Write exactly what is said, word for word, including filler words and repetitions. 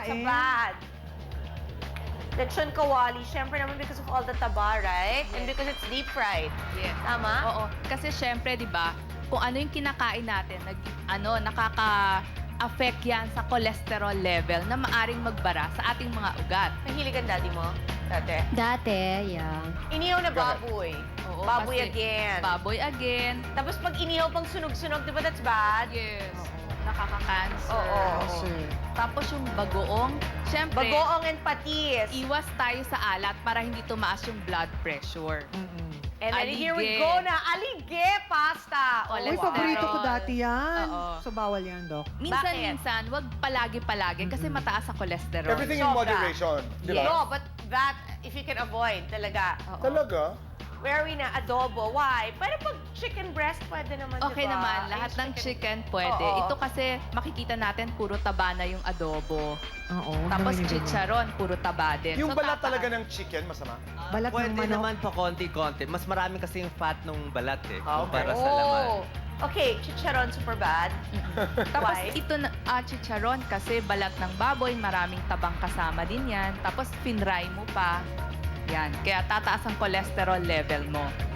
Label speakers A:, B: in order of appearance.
A: kinakain.
B: It's a bad. Lechon kawali, syempre naman because of all the taba, right? And because it's deep fried.
C: Yes.
B: Tama?
C: Oo. Kasi syempre, di ba, kung ano yung kinakain natin, nag, ano, nakaka-affect yan sa cholesterol level na maaring magbara sa ating mga ugat.
B: Mahilig ang daddy mo? Dati?
D: Dati, yeah.
B: Inihaw na baboy.
C: Oo,
B: Baboy
C: kasi
B: again.
C: Baboy again.
B: Tapos pag inihaw pang sunog-sunog, di ba that's bad?
C: Yes. Nakaka-cancer.
B: Oo.
A: Cancer.
C: Tapos yung bagoong, syempre,
B: Bagoong and patis.
C: iwas tayo sa alat para hindi tumaas yung blood pressure.
A: Mm-mm.
B: And then here we
C: Alige.
B: go na, alige pasta.
A: Uy,
C: Cholesterol.
A: paborito ko dati yan.
C: Oo.
A: So, bawal yan, Doc.
C: Minsan-minsan, wag palagi-palagi kasi mataas ang cholesterol.
E: Everything in
B: Sobra.
E: moderation. Di ba?
B: No, but that, if you can avoid, talaga.
C: Oo.
E: Talaga?
B: Where we na adobo. Why? Pero pag chicken breast, pwede naman,
C: Okay
B: di ba?
C: naman, lahat
B: Yung
C: ng chicken pwede.
B: Oo.
C: Ito kasi makikita natin puro taba na yung adobo.
A: Oo.
C: Tapos
A: gawin yung ganyan.
C: chicharon, puro taba din.
E: Yung
C: So,
E: balat
C: tataas.
E: talaga ng chicken, masama?
A: Balat ng
F: Pwede
A: manok.
F: naman pa konti-konti. Mas marami kasi yung fat nung balat eh.
E: Ah, okay.
F: Kumpara sa laman.
B: Oh. Okay, chicharon super bad.
C: Tapos
B: Why?
C: ito na ah, chicharon kasi balat ng baboy, maraming tabang kasama din yan. Tapos finry mo pa. Yan, kaya tataas ang cholesterol level mo.